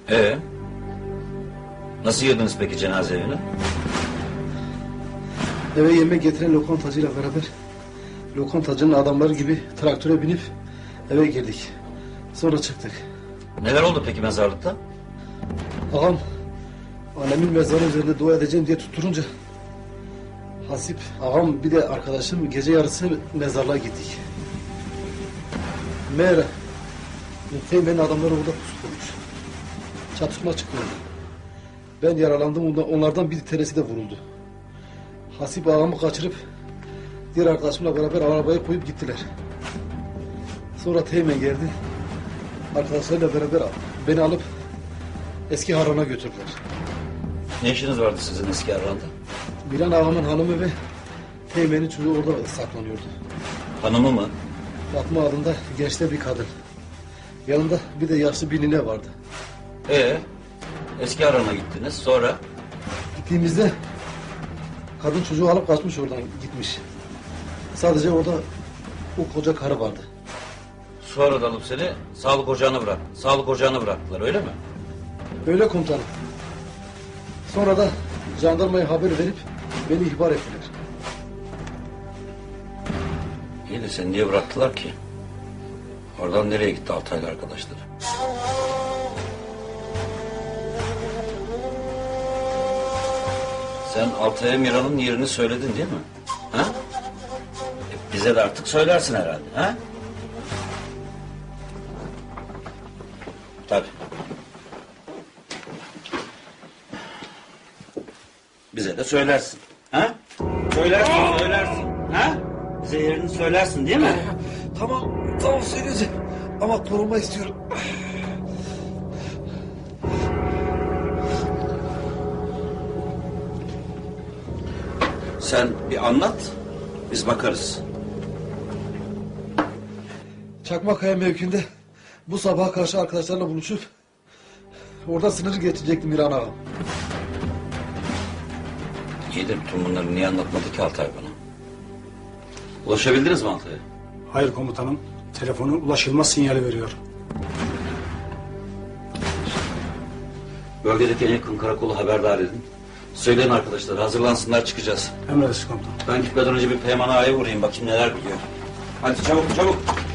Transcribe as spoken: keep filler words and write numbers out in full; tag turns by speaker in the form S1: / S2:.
S1: Ee, nasıl girdiniz peki cenaze evine?
S2: Eve yemek getiren lokantacıyla beraber lokantacının adamları gibi traktöre binip eve girdik. Sonra çıktık.
S1: Neler oldu peki mezarlıkta?
S2: Ağam annemin mezarı üzerinde dua edeceğim diye tutturunca Hasip ağam bir de arkadaşım gece yarısı mezarlığa gittik. Meğer Teğmen'in adamları orada pusu kurmuş. Çatışma çıktı. Ben yaralandım, onlardan bir tanesi de vuruldu. Hasip ağamı kaçırıp diğer arkadaşımla beraber arabaya koyup gittiler. Sonra Teğmen geldi. Arkadaşlarıyla beraber beni alıp eski Harran'a götürdüler.
S1: Ne işiniz vardı sizin eski Harran'da?
S2: Miran ağamın hanımı ve Teğmen'in çocuğu orada saklanıyordu.
S1: Hanımı mı?
S2: Fatma adında gençte bir kadın. Yanında bir de yaşlı bir nine vardı.
S1: Ee, eski Harran'a gittiniz, sonra?
S2: Gittiğimizde kadın çocuğu alıp kaçmış, oradan gitmiş. Sadece orada o koca karı vardı.
S1: Sonra da alıp seni sağlık ocağına bırak. Sağlık ocağına bıraktılar, öyle mi?
S2: Öyle komutanım. Sonra da jandarmaya haber verip beni ihbar ettiler.
S1: İyi de seni niye bıraktılar ki? Oradan nereye gitti Altaylı arkadaşları? Sen Altay'a Miran'ın yerini söyledin değil mi? Ha? E, bize de artık söylersin herhalde, ha? Tabii. Bize de söylersin, ha? Söylersin, söylersin, ha? Bize yerini söylersin değil mi?
S2: Tamam, tamam söyleyeceğim. Ama korunma istiyorum.
S1: Sen bir anlat, biz bakarız.
S2: Çakmakaya mevkinde bu sabaha karşı arkadaşlarla buluşup orada sınırı geçecektim Miran ağam.
S1: İyi de bütün bunları niye anlatmadı ki Altay bana? Ulaşabildiniz mi Altay'a?
S3: Hayır komutanım. Telefonu ulaşılmaz sinyali veriyor.
S1: Bölgedeki en yakın karakolu haberdar edin. Söyleyin arkadaşlar, hazırlansınlar, çıkacağız.
S3: Emredersiniz komutanım.
S1: Ben gitmeden önce bir Peyman Ağa'ya uğrayayım, bakayım neler biliyor. Hadi çabuk çabuk.